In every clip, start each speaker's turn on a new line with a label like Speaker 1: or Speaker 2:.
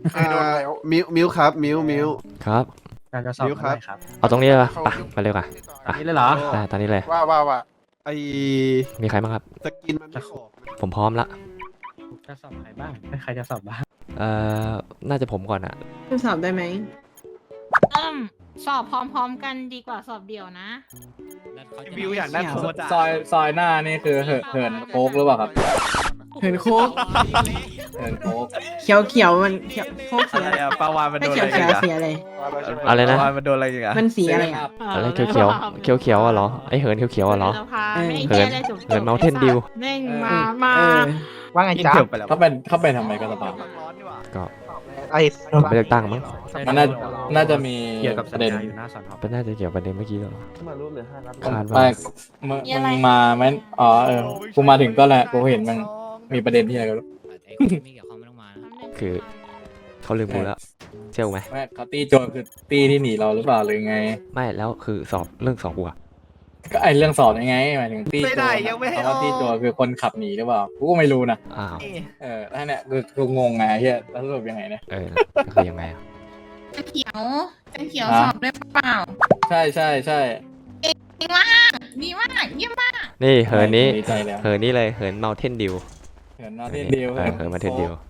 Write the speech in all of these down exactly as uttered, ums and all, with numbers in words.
Speaker 1: เคยโดนแล้ว
Speaker 2: มิวมิวครับมิวมิว
Speaker 3: ครับ
Speaker 4: การจะสอบ
Speaker 2: มิวครับ
Speaker 4: ได้ครับ
Speaker 3: เอาตรงนี้เลยปะไปไปเร็วกัน อ่ะ
Speaker 4: นี่เลยเหรอ
Speaker 3: ได้ตอนนี้เลย
Speaker 1: ว่าว่าว่า
Speaker 2: ไอ
Speaker 3: มีใครบ้างครับ
Speaker 2: สกินมันไม่ออกนะ
Speaker 3: ผมพร้อมละ
Speaker 4: จะสอบใครบ้างใครจะสอบบ้าง
Speaker 3: เอ่อน่าจะผมก่อนอะ
Speaker 5: จะสอบได้ไหม
Speaker 6: เอิ่มสอบพร้อมๆกันดีกว่าสอบเดี่ยวนะ
Speaker 1: วิวอยากได้โคตร
Speaker 7: ซอยซอยหน้านี่คือเหินเหินโค้กหรือเปล่าครับ
Speaker 5: เห็นโค้ก
Speaker 7: เหินโค้ก
Speaker 5: เขียวเขียวมันเขียวโค้กสี
Speaker 8: อะไร
Speaker 5: อะไร
Speaker 8: อะปลาวานมัน
Speaker 5: ไม่
Speaker 8: โดน
Speaker 5: เขี
Speaker 8: อะ
Speaker 5: ยว
Speaker 8: ไร
Speaker 5: เขี
Speaker 8: กั
Speaker 5: ยวน
Speaker 8: อะ
Speaker 5: สีอะไร
Speaker 3: อะไร
Speaker 8: ป
Speaker 3: นะ
Speaker 8: ลาวานมันโดนอะไรกันอะ
Speaker 5: มันสีอะไรอ่ะ
Speaker 3: อะไรเขียวเขียวเขียวเขียวๆอะเหรอ ไอเหินเขียวเขียวๆอะเหรอ
Speaker 6: สภาไม่
Speaker 3: เหิ
Speaker 6: แก้
Speaker 3: น
Speaker 6: เลยจบ
Speaker 3: เหิน Mountain Dew
Speaker 6: เน่งมามา
Speaker 5: เออ
Speaker 1: ว่าไงจ๊ะ
Speaker 7: เขาเป็นเขาเป็นทำไมก็สบาย
Speaker 3: ก็
Speaker 1: ไอ้
Speaker 3: ไม่เลือกตั้งมั้ง
Speaker 7: มันน่าน่าจะมี
Speaker 4: เกี่ยวกับ
Speaker 7: ป
Speaker 4: สัญ
Speaker 7: ระเด็น
Speaker 4: ญาอยู่หน้าสอนอ
Speaker 3: เป็นน่าจะเกี่ยวประเด็นเมื่อกี้เหรอคาด
Speaker 7: ไป
Speaker 3: ว่า
Speaker 7: มึงมึงมาไหมอ๋อเออกูมาถึงก็แหละกูเห็นมันมีประเด็นที่อะไรกัน
Speaker 9: ไม่เกี่ยวข้องไม่ต้องมานะ
Speaker 3: คือเขาลืมกูแล้วเชื่อกูไหม
Speaker 7: ไม่เขาตีโจรคือตีที่หนีเราหรือเปล่าหรือไง
Speaker 3: ไม่แล้วคือสอบเรื่องสอบกูอะ
Speaker 7: ก็ไอเรื่องสอบยังไงหมายถึงตีโจร
Speaker 8: ไม่ได้ยังไม่ให้
Speaker 7: เขาว่า
Speaker 8: ออก
Speaker 7: ตีโจรคือคนขับหนีหรือเปล่ากูก็ไม่รู้นะ
Speaker 3: อ้าว
Speaker 7: เออแล้วเนี่ยคือกูงงไงเฮียแล้วสรุปยังไงเนี่ย
Speaker 3: เออก็คือยังไงอะ
Speaker 10: จะเขียวจะเขียว
Speaker 7: ฮะ
Speaker 10: สอบได้เปล่า
Speaker 7: ใช่ใช่ใช่
Speaker 10: ดีมากดีมากเยี่ยมมาก
Speaker 3: นี่เหินนี้
Speaker 7: ดีใจแล้ว
Speaker 3: เหินนี้เลยเหิน Mountain Dew
Speaker 7: เหินนอเทนเดียว
Speaker 3: เออเหิน Mountain Dew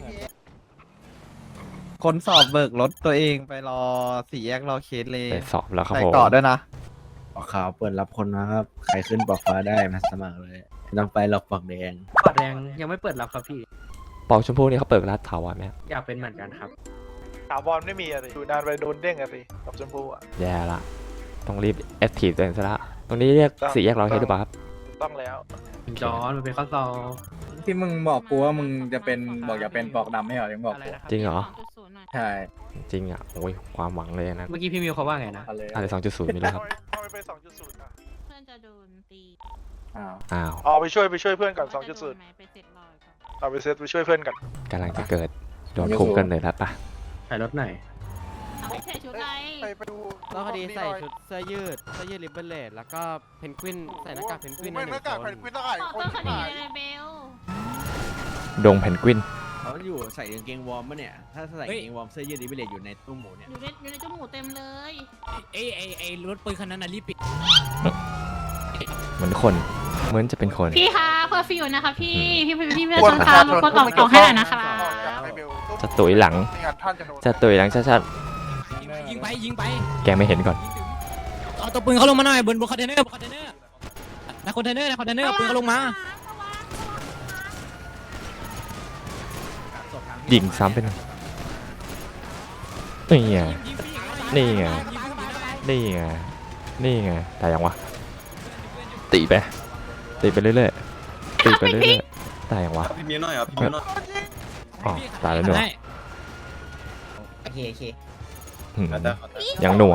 Speaker 8: คนสอบเบิกรถตัวเองไปรอสี่แยกรอเคสเลย
Speaker 3: ไปสอบแล้วครับ
Speaker 8: ใส่
Speaker 3: ผม
Speaker 8: เกาะด้วยนะ
Speaker 4: ข่าวเปิดรับคนนะครับ ใครขึ้นปอกฟ้าได้มาสมัครเลยไม่ต้องไปหลอกปอกแดงปอกแดงยังไม่เปิดรับครับพี่
Speaker 3: ปอกชมพูนี่เขาเปิดร้านถาวรไหมครับ
Speaker 4: อยากเป็นเหมือนกันครับ
Speaker 1: ถาวรไม่มีอะสิอยู่นานไปโดนเด้งอะสิกับชมพูอะ
Speaker 3: แย่ละต้องรีบแอคทีฟตัวเองซะละตรงนี้เรียกสี่แยกร้อยเฮดหรือเปล่าครับ
Speaker 1: ต้องแล้ว
Speaker 4: จอนมันเป็นข้อสอบ
Speaker 7: ที่มึงบอกกูว่ามึงจะเป็นบอกอย่าเป็นปอกดำไม่เหรอถึงบอก
Speaker 4: อะไร
Speaker 7: กู
Speaker 4: นะครับ
Speaker 3: จริงเหรอ
Speaker 7: ใช่
Speaker 3: จริงอ่ะโอ้ยความหวังเลยนะ
Speaker 4: เมื่อกี้พี่มิวเขาว่าไงนะ
Speaker 7: เอาเลย
Speaker 3: อะไรสองจุดศูนย์มีแล้วครับ
Speaker 1: ทำไมไปสองจุดศูนย์อะ
Speaker 6: เพื่อนจะโดนตี
Speaker 7: อ้าว
Speaker 3: อ้าว
Speaker 1: อ๋อไปช่วยไปช่วยเพื่อนก่อนสองจุดศูนย์
Speaker 6: ไปเสร็จรอยก่อน
Speaker 1: เอาไปเซตไปช่วยเพื่อนก่อน
Speaker 3: กำลังจะเกิดโดนคุมกันเลยแล้วปะ
Speaker 4: ถ่ายรถไหน
Speaker 6: เอาไปใส่ชุดอะไร
Speaker 1: ไปไปดู
Speaker 8: ก็พอดีใส่ชุดเสื้อยืดเสื้อยืดริบเบิลเลดแล้วก็เพนกวินใส่หน้ากากเพนกวิน
Speaker 1: ไม่หน้ากากแผ่นควินได้
Speaker 6: บอก
Speaker 1: คน
Speaker 6: ต้นค
Speaker 1: ที่
Speaker 6: ดี
Speaker 1: หาย
Speaker 6: เลยเบล
Speaker 3: ดงเพนกวิน
Speaker 8: เขาอยู่ใส่กางเกงวอร์มปะเนี่ย ถ้าใส่กางเกงวอร์มเสื้อยืดริบเบิลเลดอยู่ในตู้หมูเนี่ย
Speaker 6: อยู่ในอยู่ในจมูกเต็มเลย
Speaker 9: เอ้ยไอไอรถปืนคันนั้นน่ะรีบปิด
Speaker 3: เหมือนคนเหมือนจะเป็นคน
Speaker 6: พี่คะเพอร์ฟิวนะคะพี่พี่พี่พี่พี่ชนคะมากดออกออกให้หน่อยนะคะ
Speaker 3: จะตุยหลัง
Speaker 1: ไม่งั้นท่านจะโดน
Speaker 3: จะตุยหลังชัด
Speaker 9: ยิงไปยิงไป
Speaker 3: ๆแกไม่เห็นก่อน
Speaker 9: เอาตัวปืนเขาลงมาหน่อยบนบนคอนเทนเนอร์บนคอนเทนเนอร์ในคอนเทนเนอร์ในคอนเทนเนอร์ปืนเขาลงมา
Speaker 3: ยิงซ้ำไปหนึ่งนี่ไงนี่ไงนี่ไงนี่ไงตายยังวะตีไปตีไปเรื่อยๆตีไปเรื่อยๆตายยังวะ
Speaker 8: พี่มิวหน่อยครับพี่มิวหน่อย
Speaker 3: อ๋อตายแล้วหนู
Speaker 9: โอเคโอเค
Speaker 3: อืมยังหนัว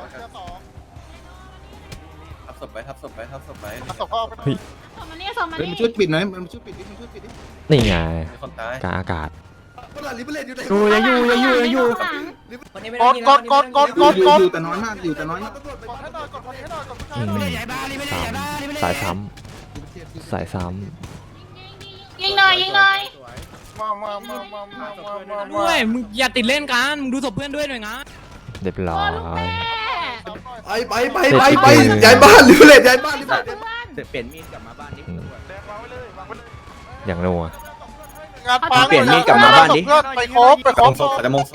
Speaker 8: ทับศพไปทับศพไปทับศพไป
Speaker 1: ศพก็เอาไป
Speaker 3: เฮ้ย
Speaker 6: สมมานี่สมมา
Speaker 2: เฮ้ย
Speaker 6: นี่
Speaker 2: มันช่วยปิดหน่อยมันช่วยปิดดิมันช่วยปิดดิ
Speaker 3: นี่ไง
Speaker 8: มีคนตาย
Speaker 3: กลางอากาศ
Speaker 2: อยู่ยังอยู่ยังอยู่ยังอยู่
Speaker 1: กดกดกดกดกด
Speaker 2: อยู่
Speaker 1: กด
Speaker 2: อยู่แต่น้อยมากอยู่แต่น้อยมาก
Speaker 1: กดให้หน่อยกดให้หน่อยกดผู้ชาย
Speaker 3: อืม
Speaker 1: หน่อย
Speaker 3: สามสายซ้ำสายซ้
Speaker 6: ยิงหน่อยยิงหน่อย
Speaker 1: มามามามามามามามา
Speaker 9: ด้วยมึงอย่าติดเล่นกันมึงดูศพเพื่อนด้วยหน่อยนะ
Speaker 3: ำเรียบร้อย
Speaker 2: ไปไปไปไปไปย้ายบ้านหรือเลยย้ายบ้านหรือ
Speaker 6: เพื่
Speaker 2: เป
Speaker 6: อ
Speaker 2: ล่าน
Speaker 8: เปลี่ยนมีดกลับมาบ้านดิ
Speaker 3: อืม
Speaker 1: แดงวางไว้เลยวางไว้เลย
Speaker 3: อย่างนัว
Speaker 1: งานปังเปลี่ยนมีดกลับมาบ้านดิไปครบไปครบ
Speaker 8: จะมงโซ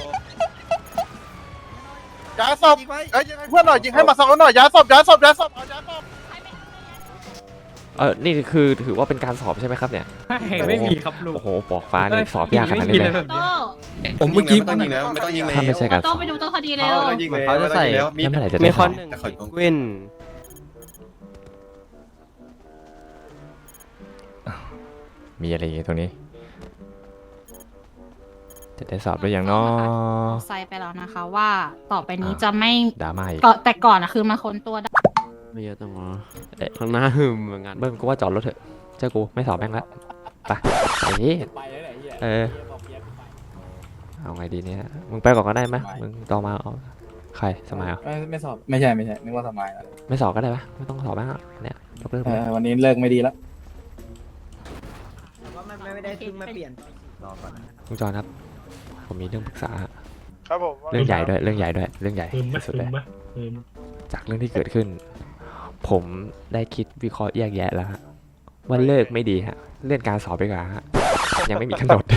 Speaker 1: ย้ายศพเอ้ยยิงให้เพื่อนหน่อยยิงให้มาสักหน่อยย้ายศพย้ายศพย้ายศพเอาย้ายศพ
Speaker 3: เออนี่คือถือว่าเป็นการสอบใช่ไหมครับเนี่ย
Speaker 4: ไม่มีครับลุง
Speaker 3: โอ้โหปอกฟ้านี่สอบยากขนาดนี้เลย
Speaker 6: โต้
Speaker 8: ผมเมื่อกี้ไม่ต้องยิงแล้วไม่ต้องยิงเลย
Speaker 3: ถ้าไม่ใช่การส
Speaker 6: โต้
Speaker 3: อบ
Speaker 6: ไปดูต้นคดีเร็ว
Speaker 8: ไม่ต้องยิงเลยเขาจะใส่
Speaker 3: แล้วเมื่อไหร่จะได้สอบ
Speaker 8: แต่ขอยกวิน
Speaker 3: มีอะไรอย่างงี้ตรงนี้ จะได้สอบด้วยอย่างน้อ
Speaker 6: ไซไปแล้วนะคะว่าต่อไปนี้จะไม่
Speaker 3: ดราม่าอีก
Speaker 6: ก็แต่ก่อนอะคือมาค้นตัวได้
Speaker 8: ไม่เยอะจังวะ
Speaker 3: เอ๊ะ
Speaker 8: ข้างหน้าหึมเหมือนกัน
Speaker 3: เบิ้มกูว่าจอดรถเถอะเจ้ากูไม่สอบแม่งละไปไอ้นี่
Speaker 7: ไปเลยแหละเฮีย
Speaker 3: เออ เอาไงดีเนี่ยมึงไปก่อนก็ได้ไหมมึงต่อมาเอาใครสมัยเหรอ
Speaker 7: ไม่ไม่สอบไม่ใช่ไม่ใช่นึกว่าสมัยแล้ว
Speaker 3: ไม่สอบก็ได้ปะไม่ต้องสอบบ้างอะเนี่ยยกเลิก
Speaker 7: เอ
Speaker 3: ไป
Speaker 7: อวันนี้เลิกไม่ดีแล้ว
Speaker 5: ไม่ได้เพิ่งมาเปลี่ยน
Speaker 3: ลุงจอนครับผมมีเรื่องปรึกษา
Speaker 1: ครับผม
Speaker 3: เรื่องใหญ่ด้วยเรื่องใหญ่ด้วยเรื่องใหญ่ที่สุดเลยจากเรื่องที่เกิดขึ้น ผมได้คิดวิเคราะห์แยกแยะแล้วฮะว่าเลิกไม่ดีฮะเลื่อนการสอบไปก่อนฮะยังไม่มีกำหนด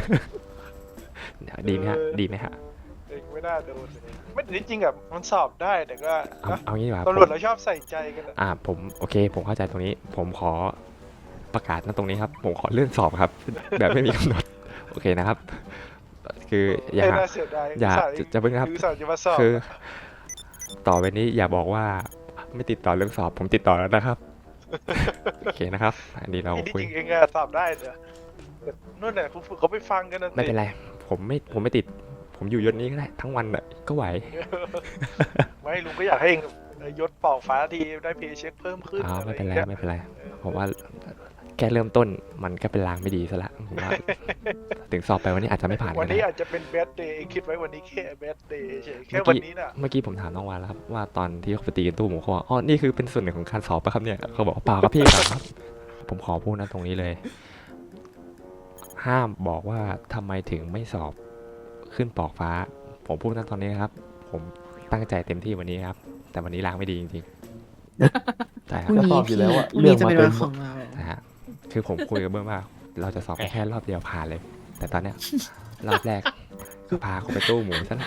Speaker 3: ดีไหมฮะดีไหมฮะ
Speaker 1: เองไม่น่าโดนเลยไม่แต่ที่จริงอะมันสอบได้แต่ก็
Speaker 3: เอาเอางี้ดีกว่า
Speaker 1: ตำรวจเราชอบใส่ใจกันอะ
Speaker 3: อ่าผมโอเค ผมเข้าใจตรงนี้ ผมขอประกาศณตรงนี้ครับ ผมขอเลื่อนสอบครับ แบบไม่มีกำหนด โอเคนะครับ คืออย่า
Speaker 1: เอ้ยน่าเสียดาย
Speaker 3: อย่า
Speaker 1: อุตส่ห์
Speaker 3: จะจะเพิ่งครับ
Speaker 1: อุตส่าห์จะมาสอบ
Speaker 3: คือ ต่อไปนี้อย่าบอกว่าไม่ติดต่อเรื่องสอบ ผมติดต่อแล้วนะครับ โอเคนะครับ อันนี้เรา
Speaker 1: ไอ้ที่
Speaker 3: คุย
Speaker 1: จริงเองอะสอบได้เนอะแต่นู่นน่ะคุณฝึกเขาไปฟังกันนะ
Speaker 3: ไม่เป็นไร ผมไม่ผมไม่ติด ผมอยู่ยศนี้ก็ได้ทั้งวันน่ะก็ไหว
Speaker 1: ไม่ลุงก็อยากให้เองยศปอกฟ้าทีได้เพย์เช็คเพิ่มขึ้น
Speaker 3: อ้าว
Speaker 1: อะไร
Speaker 3: ไม่เป็นไร
Speaker 1: อย่างเงี้ย
Speaker 3: ไม่เป็นไรผมว่าแค่เริ่มต้นมันก็เป็นลางไม่ดีซะละผมว่า ถึงสอบไปวันนี้อาจจะไม่ผ่าน
Speaker 1: วั
Speaker 3: ก็
Speaker 1: น
Speaker 3: ได้
Speaker 1: นี้อาจจะเป็นแบดเดย์คิดไว้วันนี้แค่แบดเดย์เฉยแค่
Speaker 3: เมื่อ
Speaker 1: วัน
Speaker 3: กี้
Speaker 1: นี้น่ะ
Speaker 3: เมื่อกี้ผมถามน้องวานแล้วครับว่าตอนที่เขาไปตีกันตู้หมูเขาบอกอ๋อนี่คือเป็นส่วนหนึ่งของการสอบปะครับเนี่ยเขาบอกว่าเปล่าครับพี่เปล่าครับ ผมขอพูดนะตรงนี้เลย ห้ามบอกว่าทำไมถึงไม่สอบขึ้นปอกฟ้า ผมพูดนะตอนนี้นะครับ ผมตั้งใจเต็มที่วันนี้ครับ แต่วันนี้ล้างไม่ดีจริงๆใช่ค
Speaker 5: พ
Speaker 3: รับ
Speaker 5: รุ่งนี้พี่พรุ่งนี้จะเป็นวันของเรา
Speaker 3: นะฮะคือผมคุยกับเบิ้มว่า เราจะสอบแค่รอบเดียวผ่านเลย แต่ตอนเนี้ยรอบแรกก็พาเขาไปตู้หมูซะละ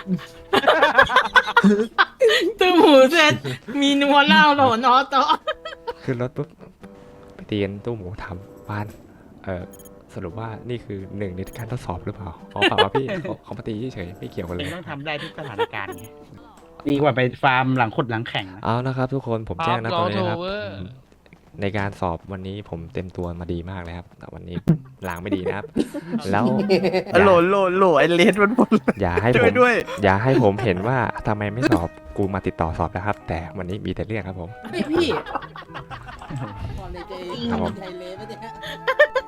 Speaker 10: ตู้หมูเสร็จมีนัวเน่าโหลนอต่อ
Speaker 3: ขึ้นรถปุ๊บไปตีกันตู้หมูถามวานเออสรุปว่านี่คือหนึ่งในการทดสอบหรือเปล่าอ๋อเปล่าครับพี่เขาเขามาตีเฉยๆไม่เกี่ยวกันเลย
Speaker 9: ต้องทำได้ทุกสถานการณ์ไงดีกว่าไปฟาร์มหลังขุดหลังแข่งนะ
Speaker 3: เอานะครับทุกคนผมแจ้งนะตรงนี้นะครับ
Speaker 10: รอโทรเวอร์
Speaker 3: อืมในการสอบวันนี้ผมเต็มตัวมาดีมากเลยครับแต่วันนี้ ล้างไม่ดีนะครับ แล้วอย่า
Speaker 4: โหลโหลโหลไอเลสมันหมด
Speaker 3: อย่าให้ผมอย่าให้ผมเห็นว่าทำไมไม่สอบกูมาติดต่อสอบนะครับ แต่วันนี้มีแต่เรื่องครับผม
Speaker 5: พี่พี่
Speaker 3: ครับผม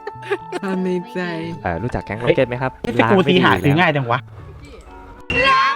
Speaker 5: ความในใจ
Speaker 3: เอ่อรู้จักแก๊งโรเก็ตไหมครับ
Speaker 9: ไอ้สกูซีหาซื้อง่ายจังวะ
Speaker 10: ล้าง